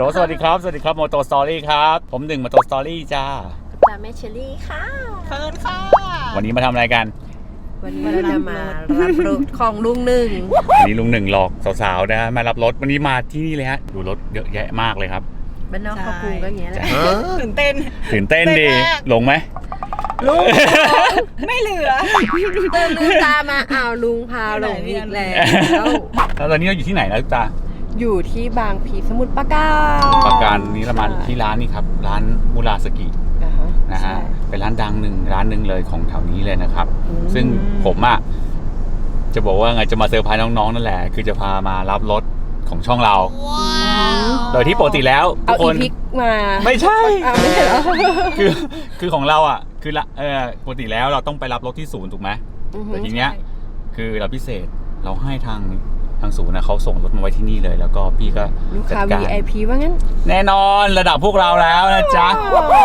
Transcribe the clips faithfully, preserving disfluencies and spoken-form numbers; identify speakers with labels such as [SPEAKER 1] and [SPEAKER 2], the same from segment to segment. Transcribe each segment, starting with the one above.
[SPEAKER 1] สวัสดีครับสวัสดีครับโมโตสตอรี่ครับผมหนึ่งโมโตสตอรี่จ้า
[SPEAKER 2] ตาแม่เชอรี่ค่ะ
[SPEAKER 3] เฟิร์นค่ะ
[SPEAKER 1] วันนี้มาทำอะไรกัน
[SPEAKER 2] วันนี้เราจะมารับรถของลุงหนึ่ง
[SPEAKER 1] วันนี้ลุงหนึ่งหลอกสาวๆนะมารับรถวันนี้มาที่นี่เลยฮะดูรถเยอะแยะมากเลยครับ
[SPEAKER 2] บ้านนอกเขากรุงก็อย่างเงี้ยแหละ
[SPEAKER 3] ตื่นเต้น
[SPEAKER 1] ตื่นเต้นดีลงไหม
[SPEAKER 2] ลุง
[SPEAKER 3] ไม่เหลือ
[SPEAKER 2] เดินลืมตามาอ้าวลุงพาลงอีกแล้ว
[SPEAKER 1] แล้วตอนนี้เราอยู่ที่ไหนนะลูกตา
[SPEAKER 2] อยู่ที่บางพีสมุทรปราการ
[SPEAKER 1] ปราการนี้เรามาที่ร้านนี้ครับร้านมูราสกินะฮะเป็นร้านดังหนึ่งร้านหนึ่งเลยของแถวนี้เลยนะครับซึ่งผมอ่ะจะบอกว่าไงจะมาเซอร์ไพรส์น้องๆนั่นแหละคือจะพามารับรถของช่องเราโดยที่ปกติแล้วทุกคน
[SPEAKER 2] เอาอีพิกมา
[SPEAKER 1] ไม่ใช่
[SPEAKER 2] ไม่ใช่เหรอ
[SPEAKER 1] คือคือของเราอ่ะคือละเออปกติแล้วเราต้องไปรับรถที่ศูนย์ถูกไหมแต่ทีเนี้ยคือเราพิเศษเราให้ทางทางศูนย์นะเขาส่งรถมาไว้ที่นี่เลยแล้วก็พี่ก็
[SPEAKER 2] ลูกค้า วี ไอ พี ว่างั้น
[SPEAKER 1] แน่นอนระดับพวกเราแล้วนะจ๊ะ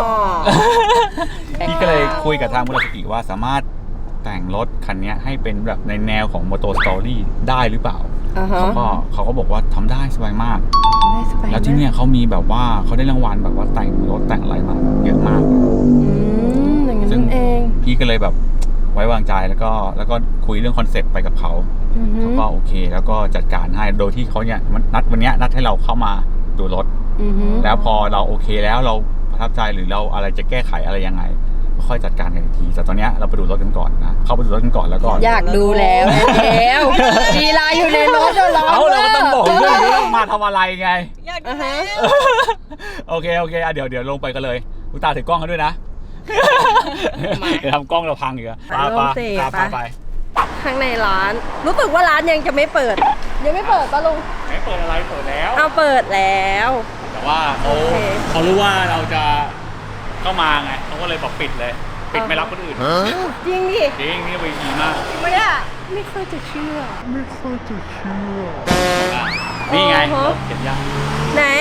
[SPEAKER 1] พี่ก็เลยคุยกับทางมูราสกิว่าสามารถแต่งรถคันนี้ให้เป็นแบบในแนวของโมโตสตอรี่ได้หรือเปล่าเขาก็เขาก็บอกว่าทำได้สบายมากแล้วที่เนี่ยเขามีแบบว่าเขาได้รางวัลแบบว่าแต่งรถแต่งอะไรมาเยอะมาก
[SPEAKER 2] ซึ่ง
[SPEAKER 1] พี่ก็เลยแบบไว้วางใจแล้วก็แล้วก็คุยเรื่องคอนเซ็ปต์ไปกับเขาเขาก็โอเคแล้วก็จัดการให้โดยที่เขาเนี่ยนัดวันนี้นัดให้เราเข้ามาดูรถแล้วพอเราโอเคแล้วเราประทับใจหรือเราอะไรจะแก้ไขอะไรยังไงก็ค่อยจัดการกันอีกทีแต่ตอนนี้เราไปดูรถกันก่อนนะเข้าไปดูรถกันก่อนแล้วก็
[SPEAKER 2] อยากดูแล้วแล้วลีลาอยู่ในรถเดี๋ยวเรา
[SPEAKER 1] เอาเราก็ต้องบอกด้วยว่ามาทำอะไรไง
[SPEAKER 3] อยากดูแล้ว
[SPEAKER 1] โอเคโอเคเดี๋ยวเดี๋ยวลงไปกันเลยอุตาถือกล้องกันด้วยนะเดี๋ยวทำกล้องเราพังอีกอะไปไปไป
[SPEAKER 2] ข้างในร้านรู้สึกว่าร้านยังจะไม่เปิดยังไม่เปิดป่ะลุง
[SPEAKER 1] ไม่เปิดอะไรเปิดแล้ว
[SPEAKER 2] เอาเปิดแล้ว
[SPEAKER 1] แต่ว่าเขาเขารู้ว่าเราจะเข้ามาไงเขาก็เลยบอกปิดเลยปิดไม่รับคนอื่น
[SPEAKER 2] จริงดิ
[SPEAKER 1] จริงนี่วีดีมาก
[SPEAKER 2] ไม่อะไม่ค่อยจะเชื่อ
[SPEAKER 1] ไม่ค่อยจะเชื่อนี่ไงเก็บยาก
[SPEAKER 2] ไหน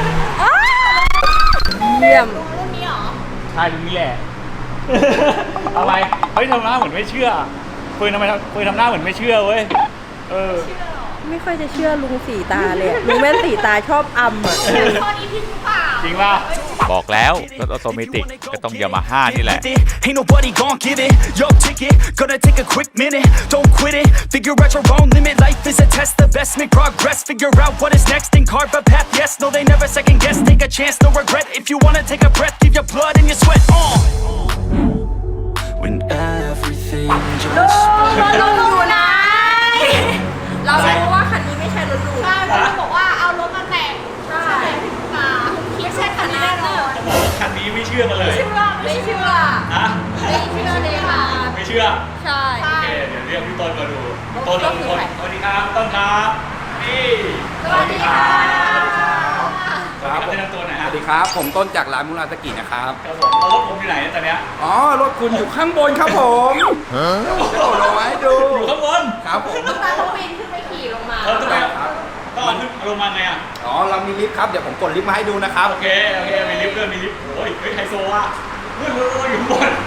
[SPEAKER 2] เยี่ยม
[SPEAKER 3] รุ่นนี้หรอ
[SPEAKER 1] ใช่รุ่นนี้แหละอะไรเฮ้ยทำหน้าเหมือนไม่เชื่อเฟิร์นทำไมเฟิร์นทำหน้าเหมือนไม่เชื่อเว้ยเออ
[SPEAKER 2] ไม่ค่อยจะเชื่อลุงสีตาเลยลุงแม่นสีตาชอบอำอ่ะ
[SPEAKER 1] จริงป่ะบอกแล้วรถออโตเมติกก็ต้องยามาฮ่านี่แหละ Ain't nobody gon' give it your ticket gonna take a quick minute don't quit it figure out your own limit life is a test the best make progress figure out what is next and carve a path yes no they never second guess take a chance no regret if you wanna take a breath give your blood and your sweat on when everything just
[SPEAKER 2] ลุงอยู่ไหนเรารู้ว่าคันนี้ไม่ใช่รถลุง
[SPEAKER 3] ใช่เพราะบอกว่าเอารถมาแต่งใช่มาคิดใช่คันนี้แน่นอน
[SPEAKER 1] จะบอกว่าคันนี้ไม่เชื่อกันเลย
[SPEAKER 2] ไม่เชื่อ
[SPEAKER 1] ฮะ
[SPEAKER 2] ไม่เชื่อเลยค่ะ
[SPEAKER 1] ไม่เชื่อ
[SPEAKER 2] ใช่
[SPEAKER 1] โอเคเดี๋ยวเรียกพี่ต้นมาดูต้นเราทุกคนสวัสดีครับต้นครับนี่
[SPEAKER 2] สวัสดีค่ะ
[SPEAKER 1] ครับแนะนำตัวหน่อยฮะ
[SPEAKER 4] สวัสดีครับผมต้นจากร้านมูราสกินะครับ
[SPEAKER 1] ครับผมรถผมอยู่ไหนตอนเนี้ย
[SPEAKER 4] อ๋อรถคุณอยู่ข้างบนครับผมจะโดดลงมาให้ดู
[SPEAKER 1] อยู่ข้างบน
[SPEAKER 4] ครับผม
[SPEAKER 2] ต้องมาต้องปีนขึ้นไปขี่ลงมา
[SPEAKER 1] เออต้องไปครับต้องเอาขึ้นลงมาไงอ่ะ
[SPEAKER 4] อ๋อเรามีลิฟต์ครับเดี๋ยวผมกดลิฟต์มาให้ดูนะครับ
[SPEAKER 1] โอเคโอเคมีลิฟต์ด้วยมีลิฟต์โอ้ยเฮ้ยไฮโซอ่ะเฮ้ยรถอยู่ข้างบน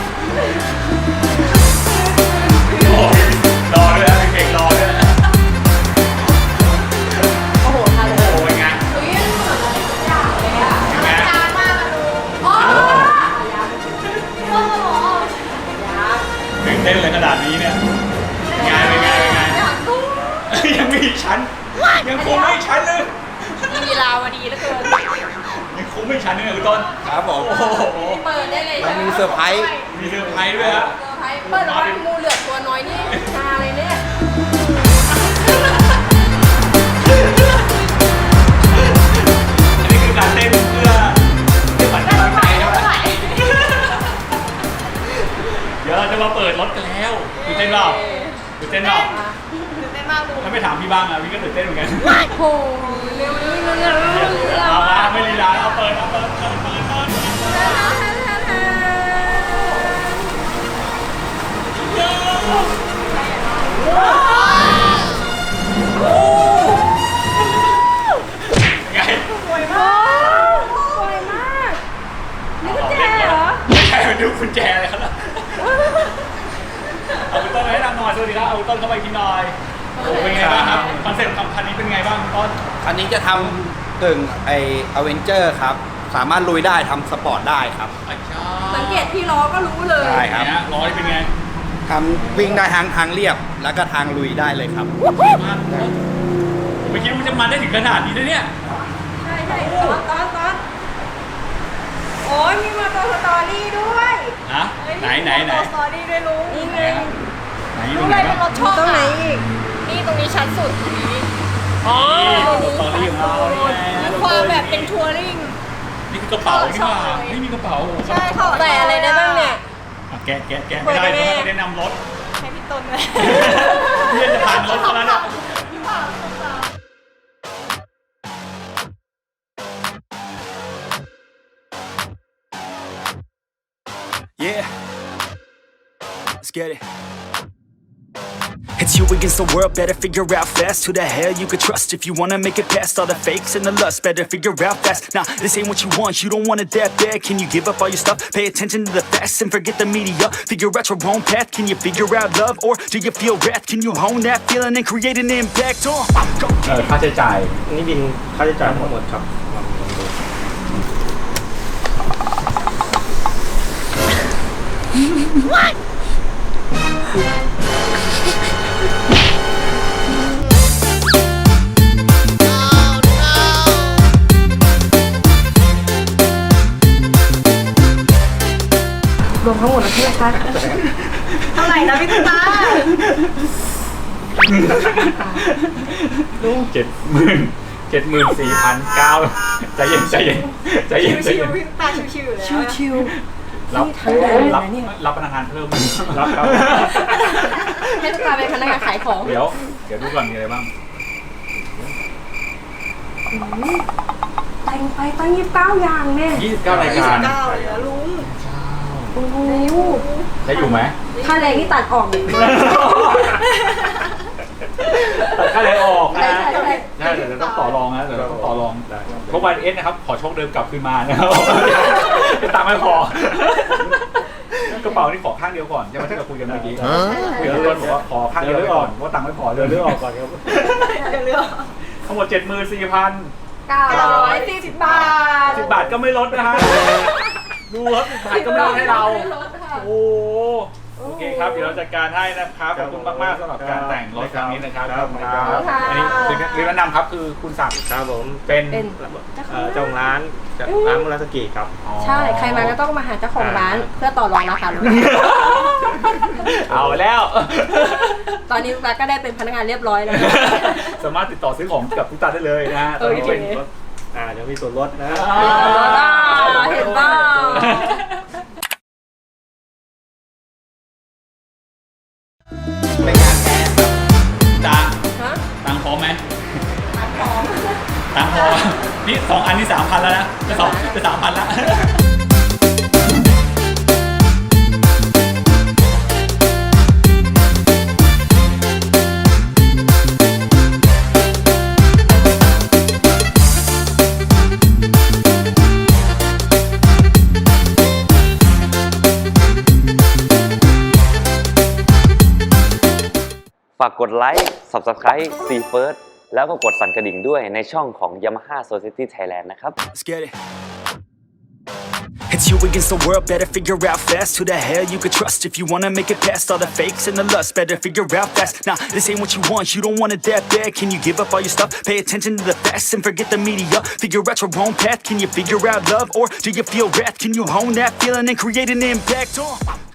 [SPEAKER 1] โอ้ยรอด้วยนะเก่งรอด้วย
[SPEAKER 2] โอ้โหทันเลย
[SPEAKER 1] โอ้ยไงตื่นเต้นเลยขนาดนี้เนี่ยงานเป็นไงเป็นไงยังมีอีกชั้นยังคงไม่ชั้นเลย
[SPEAKER 2] มีลาวดีเหลือเกิน
[SPEAKER 1] ยังคงไม่ชั้นเลยคุณต้น
[SPEAKER 4] ครับผม
[SPEAKER 1] โอ้โห
[SPEAKER 2] เปิดได้เลย
[SPEAKER 4] เรามีเซอร์ไพรส์
[SPEAKER 1] มีเซอร์ไพรส์ด้วยครับ
[SPEAKER 2] เซอร์ไพรส์เปิดแล้วว่างูเหลือตัวน้อยนี่ชาเลยเนี่ย
[SPEAKER 1] อันนี้คือการเต้นเพื่อเพื่อฝันกำลังใจใช่ไหมเดี๋ยวเราจะมาเปิดรถกันแล้วตื่นเต้นเปล่าตื่นเต้นเปล่า
[SPEAKER 3] ตื่นเต้นมากลุง
[SPEAKER 1] ถ้าไม่ถามพี่บ้างอะพี่ก็ตื่นเต้นเหมือนกัน
[SPEAKER 2] โอ้เร็วเร็วเร็วเร็ว
[SPEAKER 1] เอามาไม่ลีลาเอาเปิดเอาเปิดเปิดเปิดเปิดไง
[SPEAKER 2] สวยมากสวยมากนี่กุญแจเหรอ
[SPEAKER 1] ไม่ใช่ดูกุญแจเลยครับเอาคุณต้นมาให้นำหน่อยสวัสดีครับเอาคุณต้นเข้าไปกินหน่อยเป็นไงบ้างครับคอนเซ็ปต์คันนี้เป็นไงบ้างคุณต้น
[SPEAKER 4] คันนี้จะทำกึ่งไออเวนเจอร์ครับ สามารถลุยได้ทำสปอร์ตได้ครับ
[SPEAKER 2] สังเกตที่ล้อก็รู้เลย
[SPEAKER 4] ใช่ครับ
[SPEAKER 1] เนี่ยร้อยเป็นไง
[SPEAKER 4] ทำวิ่งได้ทั้งทางเรียบ แล้วก็ทางลุยได้เลยครับ
[SPEAKER 1] ผมไม่คิดว่าจะมาได้ถึงขนาดนี้นะเนี่ย
[SPEAKER 2] ใช่ใช่ตอนตอนตอนโอ้ยมีมาตัวสตอรี่ด้วย
[SPEAKER 1] ฮะ ไหนไหนไหน
[SPEAKER 2] สตอรี่ด้วยลุงนี่ไง
[SPEAKER 1] ไหน
[SPEAKER 2] รู้
[SPEAKER 1] ตรง
[SPEAKER 2] เล
[SPEAKER 1] ไหน
[SPEAKER 2] ยเป็นร
[SPEAKER 1] บ้าง
[SPEAKER 2] ถชอบตรงไหนอีกนี่ตรงนี้ชั้นสุดนี้อ๋อ
[SPEAKER 1] ตอนนี้ของเรานี่ไง
[SPEAKER 2] มีความแบบเป็นทัวริง
[SPEAKER 1] นี่คือกระเป๋านี่ว่าไม่มีกระเป๋า
[SPEAKER 2] ใช่เขาใส่อะไรได้บ้างเนี่ย
[SPEAKER 1] อ่ะแกะแกะแกะไม่ได้เพราะไม่ได้นำรถ
[SPEAKER 2] ให้พี่ต้นเลย
[SPEAKER 1] เพื่อนจะผ่านรถแล้วเนี่ย
[SPEAKER 5] Yeah, let's get it. It's you against the world, better figure out fast who the hell you could trust if you wanna make it past all the fakes and the lust. Better figure out fast. Nah, this ain't what you want, you don't want it that bad. Can you give up all your stuff? Pay attention to the facts and forget the media. Figure out your own path. Can you figure out love or do you feel wrath? Can you hone that feeling and create an impact? Uh, go
[SPEAKER 6] เออค่าใช้จ่ายนี่บินค่าใช้จ่ายทั้งหมดครับ
[SPEAKER 2] รวมทั้งหมดแล้วใช่ไหมคะเท่าไหร่นะพี่ตา
[SPEAKER 6] เจ็ดหมื่นเจ็ดหมื่นสี่พันเก้าใจเย็นใจเย็นใจเย็นใจ
[SPEAKER 2] ชิ
[SPEAKER 6] เย็
[SPEAKER 2] วน ๆพี่ตาชิวๆอยู่แล้วชิว
[SPEAKER 6] รับ
[SPEAKER 2] นี่ทั้งแดงเลยนะ
[SPEAKER 6] รับ
[SPEAKER 2] เนี่ย
[SPEAKER 6] รับพนักงานเพิ่มรับครับ
[SPEAKER 2] ให้ตุ๊กตาเป็นพนักงานขายของ
[SPEAKER 6] เดี๋ยวเดี๋ยวดูก่อนมีอะไรบ้าง
[SPEAKER 2] แต่งไปตั้งยี่สิบเก้าอย่างแน่
[SPEAKER 6] ยี่สิบเก้ารายการ
[SPEAKER 2] เก้าเลยนะลุงโอ้โห
[SPEAKER 6] ได้อยู่ไหม
[SPEAKER 2] ค่าแรงที่ตัดออกเนี่ย
[SPEAKER 6] ตัดค่าแรงออกนะ
[SPEAKER 2] ใช่ใช่ใช่
[SPEAKER 6] ใช่เดี๋ยวเราต้องต่อรองนะเดี๋ยวเราต้องต่อรองเพราะวันเอสนะครับขอโชคเดิมกลับคืนมานะครับตังค์ไม่พอกระเป๋านี่ขอข้างเดียวก่อนใช่ไหมที่เราคุยกันเมื่อกี้คุยกันเรื่องบอกว่าขอข้างเดียวไว้ก่อนว่าตังค์ไม่พอเดี๋ยวเลือกออกก่อนครับ
[SPEAKER 2] เดี๋ยวเลือก
[SPEAKER 6] ทั้งหมดเจ็ดหมื่นสี่พัน
[SPEAKER 2] เก้าร้อยสี่สิบบาท
[SPEAKER 6] สิบบาทก็ไม่ลดนะฮะดูครับสิบบาทก็ไม่ลดให้เรา โอ้โอเคครับเดี๋ยวเราจัดการให้นะครับขอบคุณมากๆสำหรับการแต่งรถครั้งนี้นะครับขอบคุณครับอันนี้คือแนะนำครับคือคุณศักดิ์
[SPEAKER 7] ครับผม
[SPEAKER 6] เป็น
[SPEAKER 2] เป็น
[SPEAKER 7] เอ่อเจ้าของร้านจากร้านมุราสกิครับ
[SPEAKER 2] ใช่ ใครมาก็ต้องมาหาเจ้าของร้านเพื่อต่อรองราคารถ
[SPEAKER 6] เอาแล้ว
[SPEAKER 2] ตอนนี้ตุ๊กตาก็ได้เป็นพนักงานเรียบร้อยแล้ว
[SPEAKER 6] สามารถติดต่อซื้อของกับทุกตาได้เลยนะฮะตอนนี้เป็นรถ
[SPEAKER 7] อ่าเดี๋ยวมีส่วนลดนะ
[SPEAKER 2] เห็นเปล่า
[SPEAKER 4] เป็นงานแท้ครับ
[SPEAKER 1] ตังค์
[SPEAKER 2] ฮะ
[SPEAKER 1] ตังค์พร้อมไหมตังค์พร้อมตังค์พอนี่สองอันนี่สามพันแล้วนะจะสองจะสามพันแล้ว
[SPEAKER 8] ฝากกดไลค์ Subscribe ซี First แล้วก็กดสั่นกระดิ่งด้วยในช่องของ Yamaha Society Thailand นะครับ
[SPEAKER 5] Let's get it. It's you against the world, better figure out fast who the hell you could trust if you wanna make it past all the fakes and the lust. Better figure out fast. Nah, this ain't what you want, you don't want it that bad. Can you give up all your stuff? Pay attention to the facts and forget the media. Figure out your own path. Can you figure out love or do you feel wrath? Can you hone that feeling and create an impact? Uh.